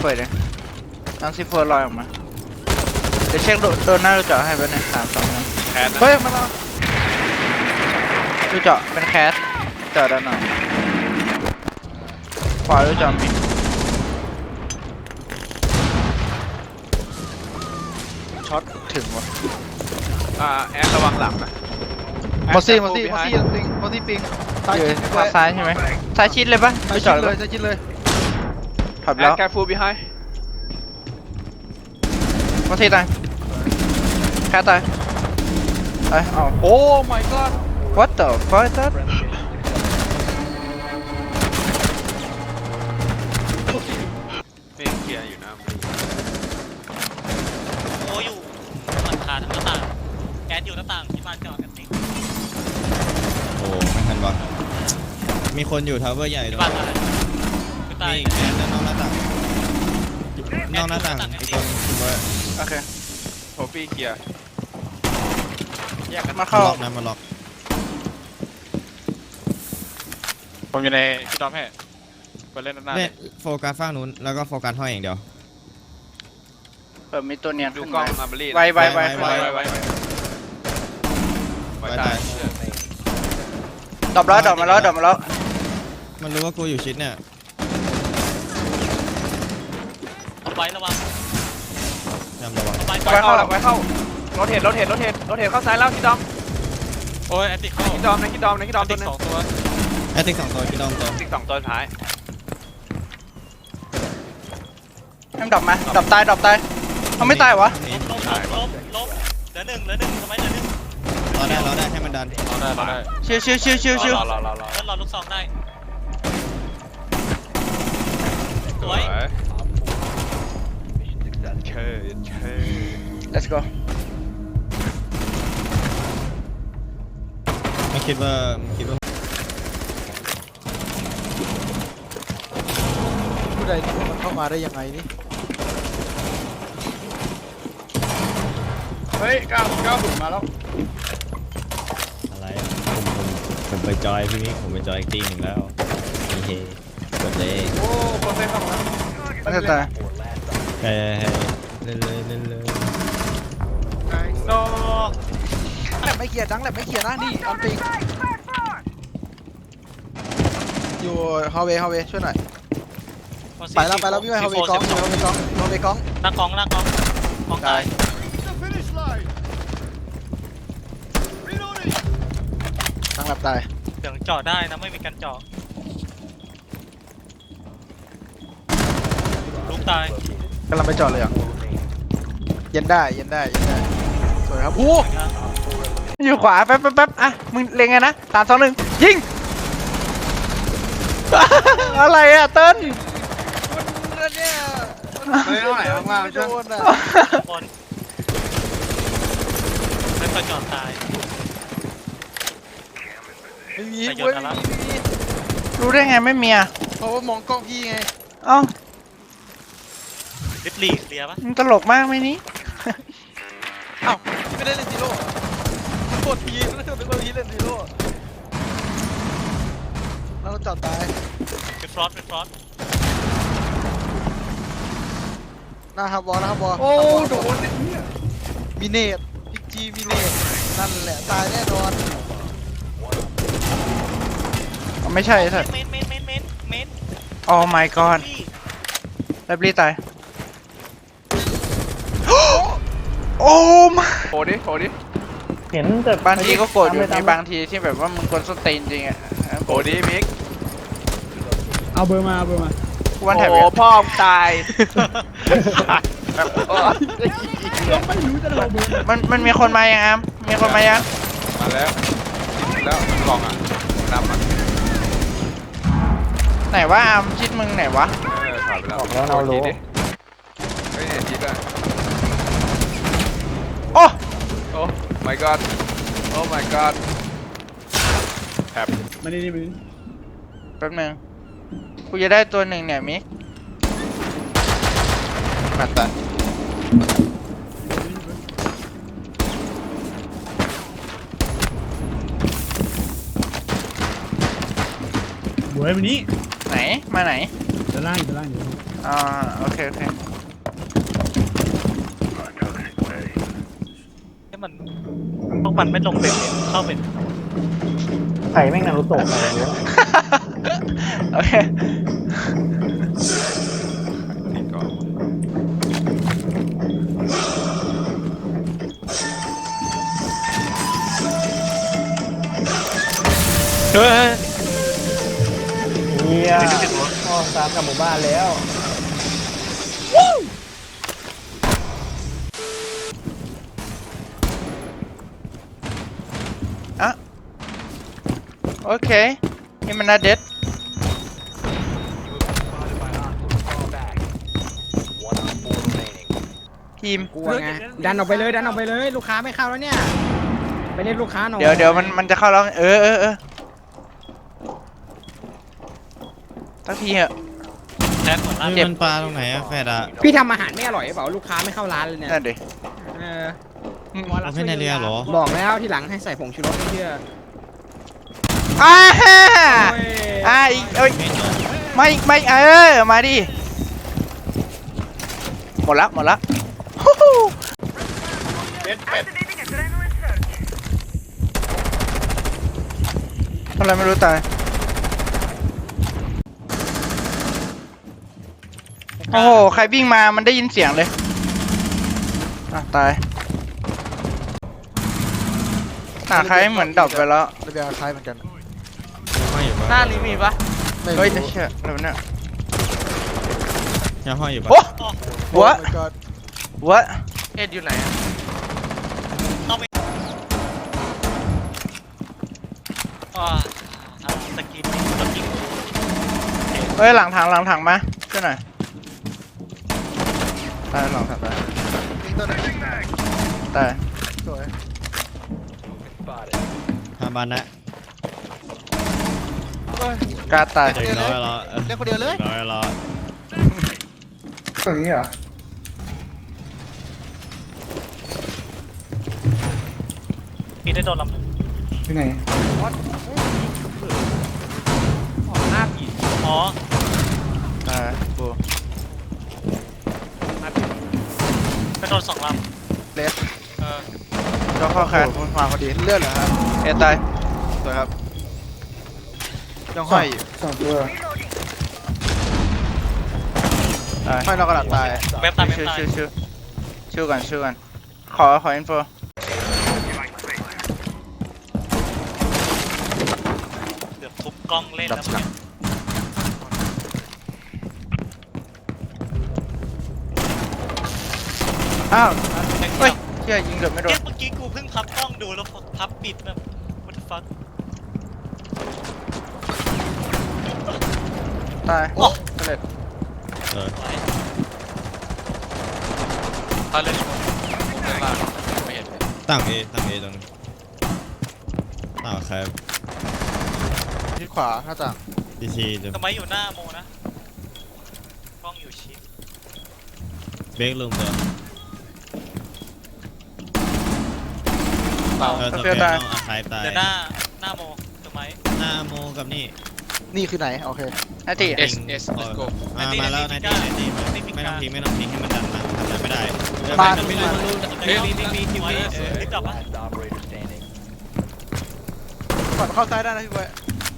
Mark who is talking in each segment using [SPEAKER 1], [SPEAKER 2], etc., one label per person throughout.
[SPEAKER 1] เปิดเลยตั้งซีโฟลอยออกมาเดี๋ยวเช็คโดนหน้าดูเจาะให้ไปหนึ่ง3 2 1
[SPEAKER 2] แคสนะ
[SPEAKER 1] เฮ้ยมาแล้วดูเจาะเป็นแคสเจาะด้านหน่อยขวาดูเจาะมีช็อตถึงวะ
[SPEAKER 2] แอดระวังหลังนะ
[SPEAKER 3] มอซี่ปิงซ้าย
[SPEAKER 1] อยู่
[SPEAKER 3] ชิด
[SPEAKER 1] ทางซ้ายใช่ไหมซ้ายชิดเลยปะ
[SPEAKER 3] ซ้าย
[SPEAKER 1] ดู
[SPEAKER 3] ชิ
[SPEAKER 1] เจาะ
[SPEAKER 3] ด
[SPEAKER 1] เล
[SPEAKER 3] เลย ยซ้ายชิดเลย
[SPEAKER 1] ถอย
[SPEAKER 2] แอ
[SPEAKER 1] แล้
[SPEAKER 2] ด
[SPEAKER 1] ว
[SPEAKER 2] แคฟูบีไฮ
[SPEAKER 1] มาที่ตายแค่ตายเอา
[SPEAKER 2] โอ้ my god
[SPEAKER 1] what the fuck is that
[SPEAKER 2] นี่เคลียร์อยู่นะ
[SPEAKER 4] โอ้อยู่หลังคาทั้งหน้าต่างแก๊สอยู่หน้าต่างที่บ้านจอดกันนี่
[SPEAKER 5] โอ้ไม่ทันวะมีคนอยู่ทาวเวอร์ใหญ่ด้
[SPEAKER 4] ที่
[SPEAKER 5] วย
[SPEAKER 4] บ้านอะไรคือตาย
[SPEAKER 5] นี่แอนแล้วนอกหน้าต่างนอกหน้าต่างไอ้ตัวเวอร์
[SPEAKER 1] โอเค
[SPEAKER 2] โทฟี่เคลียร์แยกกัน
[SPEAKER 1] มาเข้า
[SPEAKER 5] ล็อกนะมาล็อก
[SPEAKER 2] ผมอยู่ในพี่ดอมให้ไปเล่นด้านหน้า
[SPEAKER 5] เนี่ยโฟกัสฝั่งนู้นแล้วก็โฟกัสห้อยอย่างเดียว
[SPEAKER 1] เปิดมีตัวเนียน
[SPEAKER 2] ดู
[SPEAKER 1] ขึ้น
[SPEAKER 2] กล้
[SPEAKER 1] มา
[SPEAKER 2] องมาบรี
[SPEAKER 1] ไว
[SPEAKER 2] ไว้ตาย
[SPEAKER 1] ดรอปแล้วดรอปมาแล้ว
[SPEAKER 5] มันรู้ว่ากูอยู่ชิดเนี่ย
[SPEAKER 4] เอาไว้ระวัง
[SPEAKER 5] จำระวัง
[SPEAKER 4] เอาไว้
[SPEAKER 2] ไว้เข้าไว้เข้าโรเทตเข้าซ้ายแล้วพี่ดอม
[SPEAKER 4] โอ้ยแอตติเข้า
[SPEAKER 2] พี่ดอมในพี่ดอมตัวนึง
[SPEAKER 4] สองตัว
[SPEAKER 5] ไอ้ติ๊ก2 ตัวพี่ดอมตัว
[SPEAKER 2] ติ๊ก2 ตัวท้าย
[SPEAKER 1] ให้มันดรอปมาดรอปตายเขาไม่ตายวะ
[SPEAKER 5] นี่
[SPEAKER 4] ลบเหลือหนึ่งทำไมเหลือหนึ่ง
[SPEAKER 5] รอได้ให้มันดัน
[SPEAKER 2] เราได้
[SPEAKER 1] ชิว
[SPEAKER 4] เพื่อนรอลูกซองได้สวย
[SPEAKER 2] เชิญ
[SPEAKER 1] let's go
[SPEAKER 5] มันคิดว่า
[SPEAKER 3] ผู้ใดนี่มันเข้ามาได้ยังไงนี่
[SPEAKER 2] เฮ้ยก้าวบุญมาแล้ว
[SPEAKER 5] อะไรอะผมไปจอยพี่มิกผมไปจอยอีกทีหนึ่งแล้วเฮ้กดเลย
[SPEAKER 2] โอ้โปรเซสเข้ามา
[SPEAKER 1] ไม่ตาย
[SPEAKER 5] เฮ้เล่นเลย
[SPEAKER 2] โน
[SPEAKER 3] แหลมไม่เขียดังแหลมไม่เขียนะนี่ออนปิงอยู่ฮาวเวย์ช่วยหน่อยไปแล้วพี่ไปฮาวเวย์กอง
[SPEAKER 4] หน้ากองตาย
[SPEAKER 3] ดังแหลมตาย
[SPEAKER 4] เดี๋ยวเจาะได้นะไม่มีการเจาะลูกตาย
[SPEAKER 3] กำลังไปจอดเลยอ่ะเย็นได้สวยครับโอ้
[SPEAKER 1] อยู่ขวาแป๊บอ่ะมึงเล็งไงนะ3 2 1ยิง อะไรอะเติ้ล
[SPEAKER 3] เนี่ย
[SPEAKER 2] ไม่เท่าไหร่มาก
[SPEAKER 3] โดนอ่ะ
[SPEAKER 4] บนไม่ค่อยเจาะตาย
[SPEAKER 3] ไม่มี
[SPEAKER 4] ไปโย
[SPEAKER 3] เว้
[SPEAKER 4] น
[SPEAKER 3] ย
[SPEAKER 4] อะไร
[SPEAKER 3] ไม่มี
[SPEAKER 1] รู้ได้ไงไม่มีอ่ะ
[SPEAKER 3] เพราะว่ามองกล้องพี่ไง
[SPEAKER 1] เอ้า
[SPEAKER 4] ลิฟลีเคลียร์ปะ
[SPEAKER 1] มึงตลกมากไหมนี่
[SPEAKER 3] อ้าวพี่ไม่ได้เล่นซีโร่กดพีแล้วก็นึกว่าพี่เล่นซีโร่แล้วเราจอดตาย
[SPEAKER 4] เป็นฟรอส
[SPEAKER 3] หน้าฮับบอล
[SPEAKER 2] โอ้โดน
[SPEAKER 3] มีเนตพิกจีมีเนตนั่นแหละตายแน่นอน
[SPEAKER 1] ไม่ใช่สัตว์
[SPEAKER 4] เมน
[SPEAKER 1] oh my god แล้วรีตาย โอ้มา
[SPEAKER 2] โผล่ดิ
[SPEAKER 6] เห็นแต่
[SPEAKER 1] บางทีก็โกรธอยู่
[SPEAKER 6] ต
[SPEAKER 1] มี
[SPEAKER 6] ม
[SPEAKER 1] บางทีที่แบบว่ามึงกวนส้นตีนจริงอ่ะ
[SPEAKER 2] โผล่ดิมิก
[SPEAKER 6] เอาเบอร์มา
[SPEAKER 1] กูวันแถบ
[SPEAKER 2] โอ้พ่อมตาย
[SPEAKER 6] ไม่รู้จะเอาเบอร์
[SPEAKER 1] มันมีคนมายังอามมีคนมายัง
[SPEAKER 2] มาแล้วกล่องอ่ะนำอ่ะ
[SPEAKER 1] ไหนวะอามชิดมึงไหนวะ
[SPEAKER 2] ถอดไปแล้วเรารู้ไม่เห็นจิตอ่ะ
[SPEAKER 1] โอ้
[SPEAKER 2] โอ้ my god โอ้ my god แถบ
[SPEAKER 6] มานี่มึง
[SPEAKER 1] แป๊บนึงกูจะได้ตัวหนึ่งเนี่ยมิก
[SPEAKER 2] มาตัน
[SPEAKER 6] บวยวันนี้
[SPEAKER 2] ไหน
[SPEAKER 1] ไหนมาไหน
[SPEAKER 6] ด้านล่างอยู่ด้านล่างอยู่
[SPEAKER 1] โอเคโอเค
[SPEAKER 4] ให้มันพวกมันไม่ลงเป็นเข้าเป็น
[SPEAKER 6] ไข่แม่งนารูโตะอะไรวะ
[SPEAKER 1] โอเค
[SPEAKER 2] นี่ก่อน
[SPEAKER 1] เฮ้ย
[SPEAKER 6] เฮียพ่อซ้ำกับหมู่บ้านแล้ว
[SPEAKER 1] อ่ะโอเคนี่มันน่าเด็ดทีม
[SPEAKER 7] กลัวไงดันออกไปเลยดันออกไปเลยลูกค้าไม่เข้าแล้วเนี่ยไปเล่นลูกค้าหน่อย
[SPEAKER 1] เดี๋ยวมันจะเข้าแล้วเออสักทีเหอะ
[SPEAKER 4] แท็กหมดละ
[SPEAKER 5] เฮ้ยมันปลาตรงไหนอะแฟดอะ
[SPEAKER 7] พี่ทำอาหารไม่อร่อยหรือเปล่าลูกค้าไม่เข้าร้านเลยเนี่ย
[SPEAKER 1] นั่นดิ
[SPEAKER 7] เออ
[SPEAKER 5] เอาแค่ในเรือเหรอ
[SPEAKER 7] บอกแล้วที่หลังให้ใส่ผงชูรสไม่เชื่อ
[SPEAKER 1] โอ้ยอีกเอ้ย ไม่มาดิหมดละฮู้ฮู้ทำอะไรไม่รู้ตายโอ้โหใครวิ่งมามันได้ยินเสียงเลยตายใครเหมือนดับไปแล้ว
[SPEAKER 3] ระเบียงคล้ายเหมือนกัน
[SPEAKER 5] ห้อยอยู่
[SPEAKER 1] ห
[SPEAKER 5] ปะ
[SPEAKER 1] น้านี้มีปะ
[SPEAKER 3] ไม่
[SPEAKER 1] เฮ้ย
[SPEAKER 3] รู้
[SPEAKER 1] เชี่ยอะไรวะเนี่ย
[SPEAKER 5] ยังห้อยอยู่ปะ
[SPEAKER 1] โอ้
[SPEAKER 3] โอ้
[SPEAKER 1] วะ
[SPEAKER 3] my god
[SPEAKER 1] วะ
[SPEAKER 3] เอ็ดอยู่ไหนอะ
[SPEAKER 4] สกินสกิน
[SPEAKER 1] เฮ้ยหลังถังมาช่วยหน่อยตายหลังถังตาย
[SPEAKER 3] ยิงตัวไหน
[SPEAKER 1] ตาย
[SPEAKER 3] สวย
[SPEAKER 5] ทำบ้านนะ
[SPEAKER 1] กล้าตาย
[SPEAKER 5] เด็กน้อยเหรอ
[SPEAKER 3] เล่นคนเดียวเลย
[SPEAKER 5] ด็กน้อยเหรอ
[SPEAKER 6] ตรงนี้เหรอ
[SPEAKER 4] มีได้โดนลำหนึ่ง
[SPEAKER 6] ที่ไหน
[SPEAKER 7] หน้าผี
[SPEAKER 4] อ๋อ
[SPEAKER 1] ตายกู
[SPEAKER 4] ไปโดนสองล
[SPEAKER 3] เลส
[SPEAKER 4] ำ
[SPEAKER 1] ก็เข้าแค
[SPEAKER 3] โอ้
[SPEAKER 1] น
[SPEAKER 3] โหมันวางพอดีเลือดเหรอฮะ
[SPEAKER 1] เอตาย
[SPEAKER 3] สวยครับยังห้อยอยู่
[SPEAKER 6] สองตัว
[SPEAKER 1] ตาย
[SPEAKER 3] ห้อยนอกกระดาษตาย
[SPEAKER 4] เว็บตายเว็บ
[SPEAKER 1] ชื่อ
[SPEAKER 4] ตาย
[SPEAKER 1] ชื่อกันขออินโฟ
[SPEAKER 4] เกือบทุบกล้องเล่นแล้วเมื่อกี้
[SPEAKER 1] อ้าวเฮ้ยเชี่ยยิงเกือบไม่โดน
[SPEAKER 4] เมื่อกี้กูเพิ่งพับกล้องดูแล้วพับปิดแบบ what the fuck
[SPEAKER 1] ตาย
[SPEAKER 4] โอ้
[SPEAKER 1] สำเร็จ
[SPEAKER 5] เออ
[SPEAKER 2] ถ้าเล่นช่วงเล่นล่างไม่เห็นเลย
[SPEAKER 5] ตั้งเอตรงครับ
[SPEAKER 3] ที่ขวาหน้าต่าง
[SPEAKER 5] ดีซีเดี๋ยว
[SPEAKER 4] ทำไมอยู่หน้าโมนะกล้องอยู่ชิด
[SPEAKER 5] เบรกลุมเดี๋ยว
[SPEAKER 2] เปล่า
[SPEAKER 5] สเปรย์ต้องอาคายตาย
[SPEAKER 4] เดี๋ยวหน้าโมถูกไหม
[SPEAKER 5] หน้าโมกับนี่
[SPEAKER 3] นี่คือไหนโอเค
[SPEAKER 1] นาที
[SPEAKER 2] เอสlet's go
[SPEAKER 5] มาแล้วนาทีไม่ต้องทิ้งให้มันดันมาทำอะไรไม่ได้
[SPEAKER 3] บ้าน
[SPEAKER 5] ไม่รู้
[SPEAKER 4] เฮ้ยมีทีวีลิฟต์กลับปะ
[SPEAKER 3] ก่อนเข้าซ้ายได้นะพี่บอย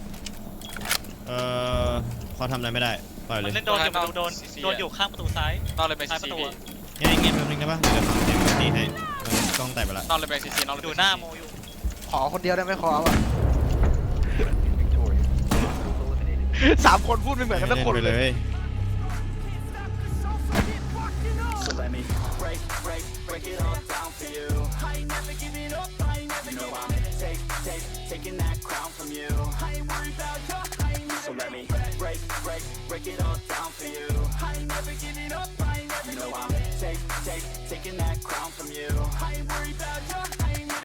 [SPEAKER 5] เขาทำอะไรไม่ได้ปล่อยเล
[SPEAKER 4] มัน
[SPEAKER 5] ย
[SPEAKER 4] เล่นโดนอยู่ประตูโดนอยู่ข้างประตูซ้าย
[SPEAKER 2] นอกเลยไป
[SPEAKER 4] ซ้า
[SPEAKER 2] ซี
[SPEAKER 4] ยประ
[SPEAKER 2] ซี
[SPEAKER 4] ตู
[SPEAKER 2] พี่
[SPEAKER 5] เงี้ยแป๊บนึงได้ปะเดี๋ยวเสียงตีให้กล้องแตกไปละ
[SPEAKER 2] นอกเลยไปซีซีนอกเลย
[SPEAKER 4] อยู่หน้าโมอยู่
[SPEAKER 3] ขอคนเดียวได้ไหมขออ่ะสามคนพูดไม่เหมือนกันทุกคน
[SPEAKER 5] ไป
[SPEAKER 3] เล
[SPEAKER 5] เลย ย
[SPEAKER 8] taking that crown from you. I ain't worried about your, so let me break it all down for you. I ain't never giving up, I ain't never, you know I'm taking that crown from you. I ain't worried about your